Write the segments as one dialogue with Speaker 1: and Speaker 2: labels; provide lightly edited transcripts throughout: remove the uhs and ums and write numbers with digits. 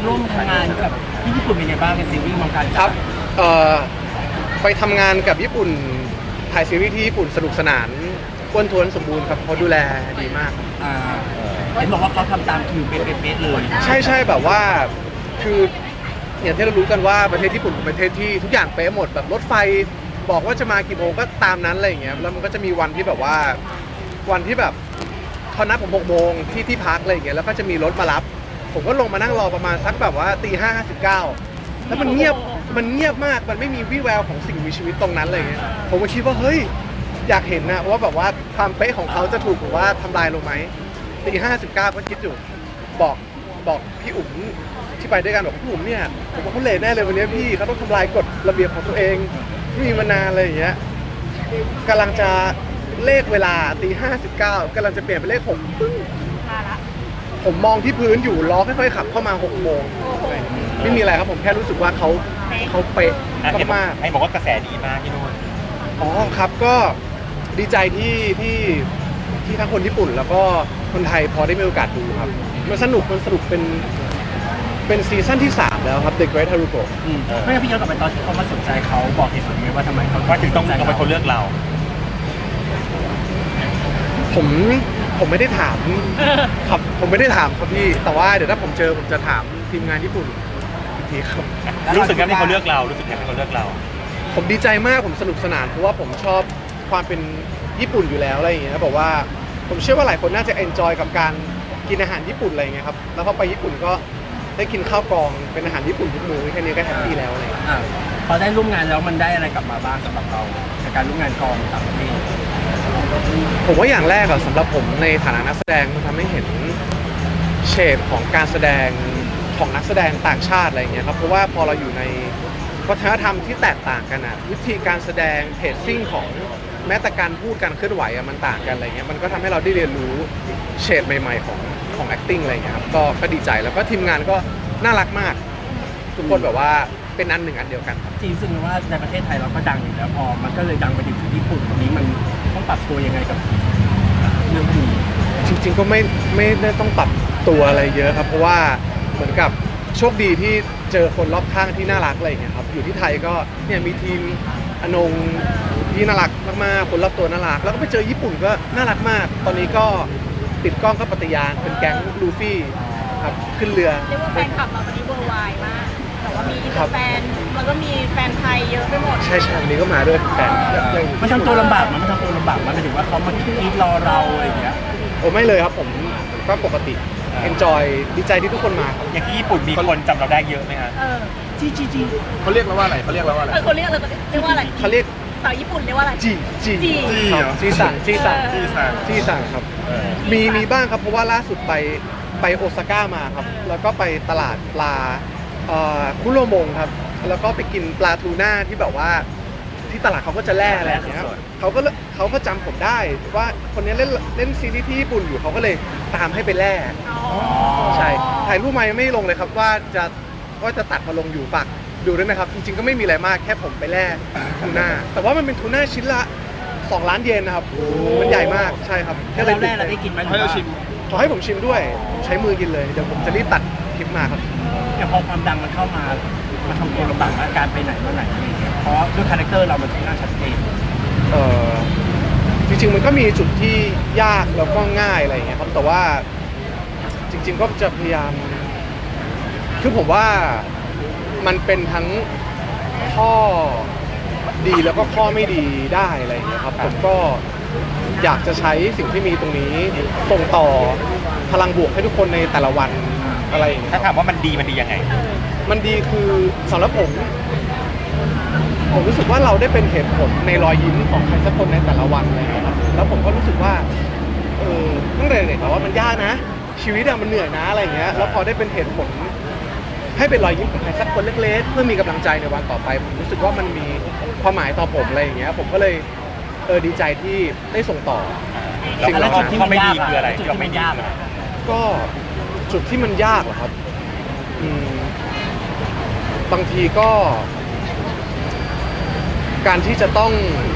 Speaker 1: ร่วมทำงานกับที่ญี่ปุ่นเป็นยังไงบ้างในซีรีส์มังการ
Speaker 2: ครับเอ่อไปทำงานกับญี่ปุ่นถ่ายซีรีส์ที่ญี่ปุ่นสนุกสนานอ้วนท้วนสมบูรณ์ครับเขาดูแลดีมาก
Speaker 1: อ่าเห็นบอกว่าเขาทำตามคิวเป๊ะๆเลย
Speaker 2: ใช่แบบว่าคืออย่างที่เรารู้กันว่าประเทศญี่ปุ่นเป็นประเทศที่ทุกอย่างเป๊ะหมดแบบรถไฟบอกว่าจะมากี่โมงก็ตามนั้นอะไรอย่างเงี้ยแล้วมันก็จะมีวันที่แบบว่าวันที่แบบเขานัดผม6 โมงที่พักอะไรอย่างเงี้ยแล้วก็จะมีรถมารับผมก็ลงมานั่งรอประมาณสักแบบว่าตี 5:59แล้วมันเงียบมากมันไม่มีวี่แววของสิ่งมีชีวิตตรงนั้นอะไรเงี้ยผมก็คิดว่าเฮ้ยอยากเห็นนะว่าแบบว่าความเป๊ะของเขาจะถูกหรือว่าทำลายลงไหมตี 5:59ก็คิดอยู่บอกพี่อุ๋มที่ไปด้วยกันบอกพี่อุ๋มเนี่ยผมว่าเขาเละแน่เลยวันนี้พี่เขาต้องทำลายกฎระเบียบของตัวเองที่มีมานานอะไรอย่างเงี้ยกำลังจะเลขเวลาตี 5:59กำลังจะเปลี่ยนเป็นเลข6ปึ้งมาละผมมองที่พื้นอยู่ล้อค่อยๆขับเข้ามา6 โมงไม่มีอะไรครับผมแค่รู้สึกว่าเขาเป๊ะมาก
Speaker 3: ให้บอกว่ากระแสดีมากที่นู่น
Speaker 2: อ๋อครับก็ดีใจที่ทั้งคนญี่ปุ่นแล้วก็คนไทยพอได้มีโอกาสดูครับมันสนุกเป็นซีซั่นที่3แล้วครับ The Great Haruko
Speaker 1: ไม่งั้นพี่ย้อนกลับไปตอนที่เขามาสนใจเขาบอกเหตุผลไหมว่าทำไมเขา
Speaker 3: ถึงต้องเป็นคนเลือกเรา
Speaker 2: ผมไม่ได้ถามครับผมไม่ได้ถามครับพี่แต่ว่าเดี๋ยวถ้าผมเจอผมจะถามทีมงานญี่ปุ่นอีกทีครับ
Speaker 3: รู้สึกยังไงที่เขาเลือกเรา
Speaker 2: ผมดีใจมากผมสนุกสนานเพราะว่าผมชอบความเป็นญี่ปุ่นอยู่แล้วอะไรอย่างเงี้ยบอกว่าผมเชื่อว่าหลายคนน่าจะเอนจอยกับการกินอาหารญี่ปุ่นอะไรเงี้ยครับแล้วพอไปญี่ปุ่นก็ได้กินข้าวกล่องเป็นอาหารญี่ปุ่นทุกมื้อแค่นี้ก็แฮปปี้แล้วอะไร
Speaker 1: พอได้ร่วมงานแล้วมันได้อะไรกลับมาบ้างสำหรับเราในการร่วมงานกองต่างประเทศ
Speaker 2: ผมว่าอย่างแรกสำหรับผมในฐานะนักแสดงมันทำให้เห็นเฉดของการแสดงของนักแสดงต่างชาติอะไรเงี้ยครับเพราะว่าพอเราอยู่ในวัฒนธรรมที่แตกต่างกันวิธีการแสดงเพจซิ่งของแม้แต่การพูดการเคลื่อนไหวมันต่างกันอะไรเงี้ยมันก็ทำให้เราได้เรียนรู้เฉดใหม่ๆของ acting อะไรเงี้ยครับก็ดีใจแล้วก็ทีมงานก็น่ารักมากทุกคนแบบว่าเป็นอันหนึ่งอันเดียวกัน
Speaker 1: จริงซึ่งว่าในประเทศไทยเราก็ดังอยู่แล้วพอมันก็เลยดังไปถึงญี่ปุ่นตรงนี้มันต้องปรับตัวยังไงกับเรื่องนี้
Speaker 2: จริงๆก็ไม่ได้ต้องปรับตัวอะไรเยอะครับเพราะว่าเหมือนกับโชคดีที่เจอคนรอบข้างที่น่ารักอะไรอย่างเงี้ยครับอยู่ที่ไทยก็เนี่ยมีทีมอนงที่น่ารักมากๆคนรอบตัวน่ารักแล้วก็ไปเจอญี่ปุ่นก็น่ารักมากตอนนี้ก็ติดกล้องก็ปฏิญาณเป็นแก๊งลูฟี่ครับขึ้นเรือ
Speaker 4: เรียกว่าแฟนคลับเราวันนี้เวอร์ไวมากแต่ว่ามีแฟนแล้วก็มีแฟนไทยเยอะไปหมด
Speaker 2: ใช่วันนี้ก็มาด้วยแฟน
Speaker 1: มันทำตัวลำบากมันทำตัวลำบากมันหมายถึงว่าเขามาคิดรอเราอะไรอย่างเงี้ย
Speaker 2: โอ้ไม่เลยครับผมก็ปกติenjoy ดีใจที่ทุกคนมาครับ
Speaker 3: อย่างที่ญี่ปุ่นมีคนจำเราได้เยอะไหมฮะ
Speaker 1: จี
Speaker 5: เขาเรียกเราว่าอะไร
Speaker 4: เขาเรียกว่าอะไรเขาเรียกสาวญี่ปุ่นเรียกว่าอะไร
Speaker 2: จีสั่งครับมีบ้างครับเพราะว่าล่าสุดไปโอซาก้ามาครับแล้วก็ไปตลาดปลาคุโรมงครับแล้วก็ไปกินปลาทูน่าที่แบบว่าที่ตลาดเขาก็จะแล่อะไรอย่างเงี้ยเขาก็จำผมได้ว่าคนนี้เล่นซีรีส์ที่ญี่ปุ่นอยู่เขาก็เลยตามให้ไปแล่ใช่ถ่ายรูปมายังไม่ลงเลยครับว่าจะตัดมาลงอยู่ฝากดูด้วยนะครับจริงๆก็ไม่มีอะไรมากแค่ผมไปแล่ทูน่าแต่ว่ามันเป็นทูน่าชิ้นละ2 ล้านเยนนะครับมันใหญ่มากใช่ครับ
Speaker 1: แค่เราแล่เราได้กินไหม
Speaker 5: ให้เราชิม
Speaker 2: ขอให้ผมชิมด้วยใช้มือกินเลยเดี๋ยวผมจะรีบตัดคลิปมาครับ
Speaker 1: แต่พอความดังมันเข้ามาทำตัวลำบากการไปไหนมาไหนอะไรอย่างเงี้ยเพราะด้วยคาแรคเตอร์เรามันค่อนข้างชัดเจน
Speaker 2: จริงๆมันก็มีจุดที่ยากแล้วก็ง่ายอะไรอย่างเงี้ยครับแต่ว่าจริงๆก็จะพยายามคือผมว่ามันเป็นทั้งข้อดีแล้วก็ข้อไม่ดีได้อะไรอย่างเงี้ยครับผมก็อยากจะใช้สิ่งที่มีตรงนี้ส่งต่อพลังบวกให้ทุกคนในแต่ละวันอะไรอย่างเงี้ย
Speaker 3: ถ้าถามว่ามันดียังไง
Speaker 2: มันดีคือสำหรับผมรู้สึกว่าเราได้เป็นเหตุผลในรอยยิ้มของใครสักคนในแต่ละวันอะไรอย่างเงี้ยครับแล้วผมก็รู้สึกว่าตั้งแต่เด็กแล้วว่ามันยากนะชีวิตมันเหนื่อยนะอะไรอย่างเงี้ยแล้วพอได้เป็นเหตุผลให้เป็นรอยยิ้มของใครสักคนเล็กๆเพื่อมีกำลังใจในวันต่อไปผมรู้สึกว่ามันมีความหมายต่อผมอะไรอย่างเงี้ยผมก็เลยดีใจที่ได้ส่งต่อ
Speaker 3: สิ่งที่มันไม่ดีคืออะไรที่เราไม่ยาก
Speaker 2: ก็จุดที่มันยากเหรอครับบางทีก็การที่จะต้อง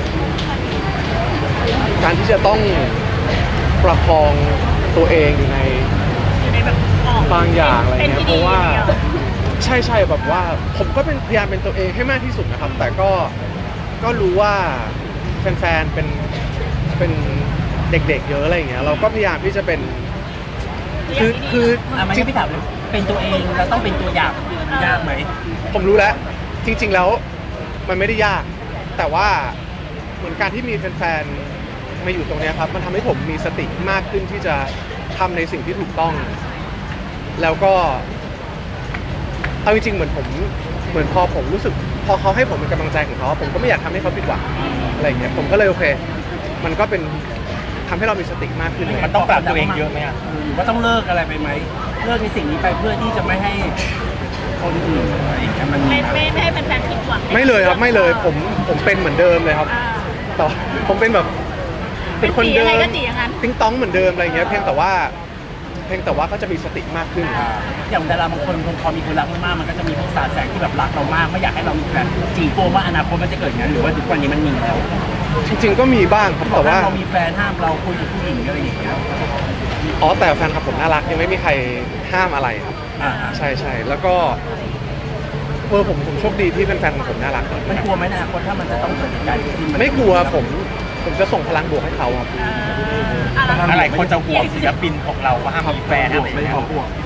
Speaker 2: ประคองตัวเองอยู่ในบางอย่างอะไรเงี้ยเพราะว่าใช่แบบว่าผมก็เป็นพยายามเป็นตัวเองให้มากที่สุดนะครับ แต่ก็รู้ว่าแฟนๆเป็นเด็กๆเยอะอะไรอย่างเงี้ยเราก็พยายามที่จะเป็นคือ
Speaker 1: มัน
Speaker 2: จริ
Speaker 1: ก็
Speaker 2: ง
Speaker 1: พี่ถามเลยเป็นตัวเองแล้วต้องเป็นตัวอย่างยากไหม
Speaker 2: ผมรู้แล้วจริง ๆแล้วมันไม่ได้ยาก แต่ว่าเหมือนการที่มีแฟนๆมาอยู่ตรงเนี้ยครับมันทำให้ผมมีสติมากขึ้นที่จะทำในสิ่งที่ถูกต้อง แล้วก็เอาจริงๆเหมือนพอผมรู้สึกพอเขาให้ผมเป็นกำลังใจของเขาผมก็ไม่อยากทำให้เขาผิดหวังอะไรอย่างเงี้ยผมก็เลยโอเค มันก็เป็นทำให้เรามีสติมากขึ้นเลย
Speaker 3: มันต้องปรับตัวเองเยอะไหมอ่ะ
Speaker 1: หรือว่าต้องเลิกอะไรไปไหมเลิกในสิ่งนี้ไปเพื่อที่จะไม่ให้คนอื่นอะไรอย่างเงี้ยมันมี
Speaker 4: ไม่ให้แฟนๆผิดหวัง
Speaker 2: ไม่เลยครับไม่เลยผมเป็นเหมือนเดิมเลยครับ
Speaker 4: อ่า
Speaker 2: ต่อผมเป็นแบบเป็นคนเดิ
Speaker 4: เป็น
Speaker 2: ม
Speaker 4: สีอะไรก็สีอย่างนั้น
Speaker 2: ติ้งต้องเหมือนเดิมอะไรเงี้ยเพียงแต่ว่าก็จะมีสติมากขึ้น
Speaker 1: อย่างดาราบางคนพอมีคนรักมากๆมันก็จะมีพวกสาดแสงที่แบบรักเรามากไม่อยากให้เรามีแฟนจีโกว่าอนาคตมันจะเกิดอย่างนั้นหรือว่าทุกวันนี้มันมีแล้ว
Speaker 2: จริงๆก็มีบ้างครับ
Speaker 1: บอก
Speaker 2: แต่
Speaker 1: ว่า
Speaker 2: ว่า
Speaker 1: เรามีแฟนห้ามเราคุยกับผู้หญิงอะไรอย่างเงี้ย
Speaker 2: อ๋อแต่แฟนคลับผมน่ารักยังไม่มีใครห้ามอะไรครับ
Speaker 1: อ่า
Speaker 2: ใช่แล้วก็ผมโชคดีที่แฟนๆของผมน่ารัก
Speaker 1: มันกลัวไหมในอนาคตถ้ามันจะต้องเกิดเหตุการณ์ที่มัน
Speaker 2: ไม่กลัวผมจะส่งพลังบวกให้เขาครับ
Speaker 3: อะไรคนจะห่วงศิลปินของเราว่าห้ามมีแฟนอะไรอย่าง
Speaker 1: ไม่
Speaker 3: เงี้ย
Speaker 1: ขอพวก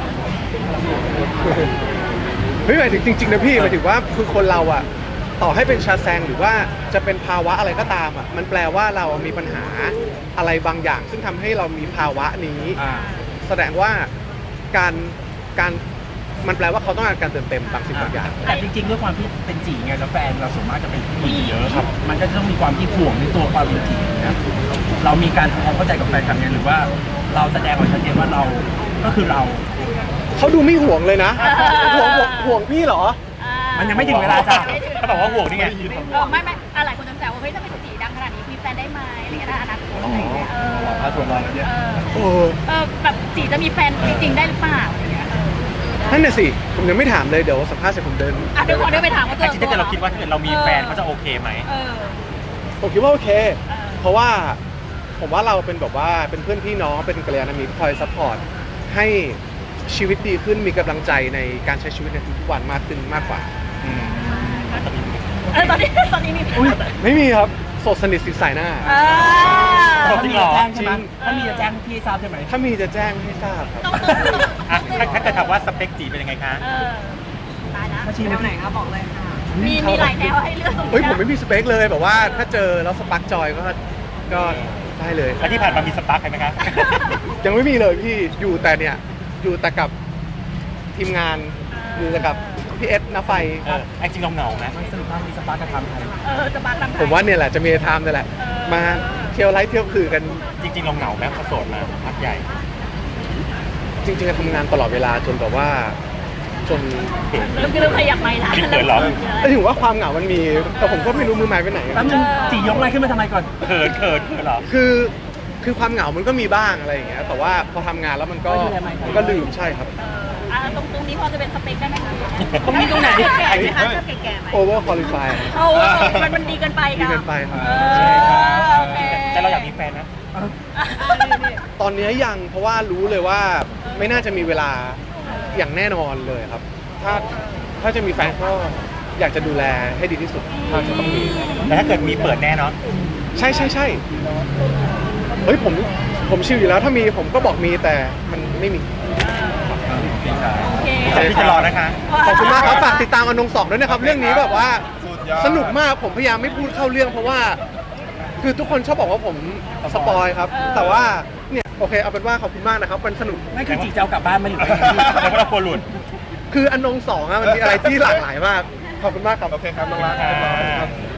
Speaker 2: เฮ้ยหมายถึงจริงๆนะพี่หมายถึงว่าคือคนเราอะต่อให้เป็นชาแซงหรือว่าจะเป็นภาวะอะไรก็ตามอะมันแปลว่าเรามีปัญหาอะไรบางอย่าง ซึ่งทำให้เรามีภาวะนี้ แสดงว่าการมันแปลว่าเขาต้องการการเติมเต็มบางสิ่งบางอย่าง
Speaker 1: แต่จริงๆด้วยความที่เป็นจีไงแล้วแฟนเราส่วนมากจะเป็นผู้หญิงเยอะครับมันก็จะต้องมีความที่ห่วงในตัวความเป็นจีนะเรามีการทำความเข้าใจกับแฟนคลับไงหรือว่าเราแสดงออกชัดเจนว่าเราก็คือเรา
Speaker 2: เขาดูไม่ห่วงเลยนะห่วงพี่เหรอ
Speaker 1: มันยังไม่ถึงเวลาจ้ะ
Speaker 3: เขาบอกว่าห่วงนี่ไง
Speaker 4: ไม่หลายคนจะแซวว่าเฮ้ยถ้าเป็นสีดังขนาดนี้มีแฟนได้ไหมอะไรเงี้ยถ้าอนาคตอะไรเงี้ย
Speaker 1: ถ้าส่วนเราเนี่ย
Speaker 4: แบบสีจะมีแฟนจริงๆได้หรือเปล่าอะไรเงี้ย
Speaker 2: นั่นน่ะสิผมยังไม่ถามเลยเดี๋ยวสัมภาษณ์เสร็จผมเดิน
Speaker 4: เดี๋ยวขอเดินไปถามว่า
Speaker 3: แต่จริงๆถ้าเกิดเราคิดว่าถ้าเกิดเรามีแฟนเขาจะโอเคไหม
Speaker 2: ผมคิดว่าโอเค เพราะว่าผมว่าเราเป็นแบบว่าเป็นเพื่อนพี่น้องเป็นกัลยาณมิตรคอยซัพพอร์ตให้ชีวิตดีขึ้นมีกำลังใจในการใช้ชีวิตในทุกๆวันมากขึ้นมากกว่า
Speaker 4: ตอนนี้มี
Speaker 2: ไม่มีครับโสดสนิทสิสายหน้า
Speaker 1: ถ้ามีจะแจ้งใช่ไหมถ้ามีจะแจ้งพี่ทราบใช่ไหม
Speaker 2: ถ้ามีจะแจ้งให้ทราบครับ
Speaker 3: อ่ะถ้าเกิดถามว่าสเปคจีเป็นยังไงคะ
Speaker 4: ตายแล้ว
Speaker 1: ถ้าชี้
Speaker 4: แน
Speaker 1: มาว
Speaker 4: ไหนคะบอกเลยค่ะมีหลายแนวให้เลือก
Speaker 2: เฮ้ยผมไม่มีสเปคเลยแบบว่าถ้าเจอแล้วสปาร์กจอยก็ได้เลย
Speaker 3: แล้วที่ผ่านมามีสปาร์คใครไหมคะ
Speaker 2: ยังไม่มีเลยพี่อยู่แต่กับทีมงานอยู่แต่กับพี่เอสนะไฟ
Speaker 3: ไอ้จริงเราเหงาไหม
Speaker 1: มันสรุปว่ามีสปาร์กกระทำไทย
Speaker 4: จะบักลำไทย
Speaker 2: ผมว่าเนี่ยแหละจะมีไทม์นี่แหละ มาเที่ยวไลฟ์เที่ยวคือกัน
Speaker 3: จริงๆเราเหงาไหมพอโสดมาพักใหญ่
Speaker 2: จริงๆทำงานตลอดเวลาจนแบบว่าจน
Speaker 4: เริ่มขยับไม่ละ
Speaker 3: เขินเหรอ
Speaker 2: แต่ถึงว่าความเหงามันมี แต่ผมก็ไม่รู้มือไม้ไปไหน
Speaker 1: แป๊บนึงจียกไม้ขึ้นมาทำไมก่อน
Speaker 3: เขินเหรอ
Speaker 2: คือความเหงามันก็มีบ้างอะไรอย่างเงี้ยแต่ว่าพอทำงานแล้วมันก็ลืมใช่ครับ
Speaker 4: ตรงนี้พอจะเป็นสเปคได้ไหมคะ
Speaker 1: ตรงนี้ตรงไหน
Speaker 4: แก่ไหมคะชอบแก่ๆไหม
Speaker 2: over qualify
Speaker 4: โอ้มันดีเกินไป
Speaker 2: ดี
Speaker 4: ค่ะ
Speaker 2: เกินไปครับ
Speaker 4: โอเค
Speaker 3: แต่เราอยากมีแฟนนะ
Speaker 2: ตอนนี้ยังเพราะว่ารู้เลยว่าไม่น่าจะมีเวลาอย่างแน่นอนเลยครับ ถ้าจะมีแฟนก็อยากจะดูแลให้ดีที่สุดถ้าจะต้องมี
Speaker 3: แต่ถ้าเกิดมีเปิดแน่เนาะ
Speaker 2: ใช่เฮ้ยผมชิลอยู่แล้วถ้ามีผมก็บอกมีแต่มันไม่มี
Speaker 4: โอเค
Speaker 3: พี่จะรอนะคะ
Speaker 2: ขอบคุณมากครับฝากติดตามอนง2ด้วยนะครับเรื่องนี้แบบว่าสนุกมากผมพยายามไม่พูดเข้าเรื่องเพราะว่าคือทุกคนชอบบอกว่าผมสปอยครับ แต่ว่าเนี่ยโอเคเอาเป็นว่าขอบคุณมากนะครับมันสนุก
Speaker 1: ไม่คือจีจะเอากลับบ้านมาหรือไง
Speaker 3: แล้วก็เรากลัวหลุด
Speaker 2: คืออนง2อะมันมีอะไรที่หลากหลายมากขอบคุณมากครับ
Speaker 3: โอเคครับน้องรัก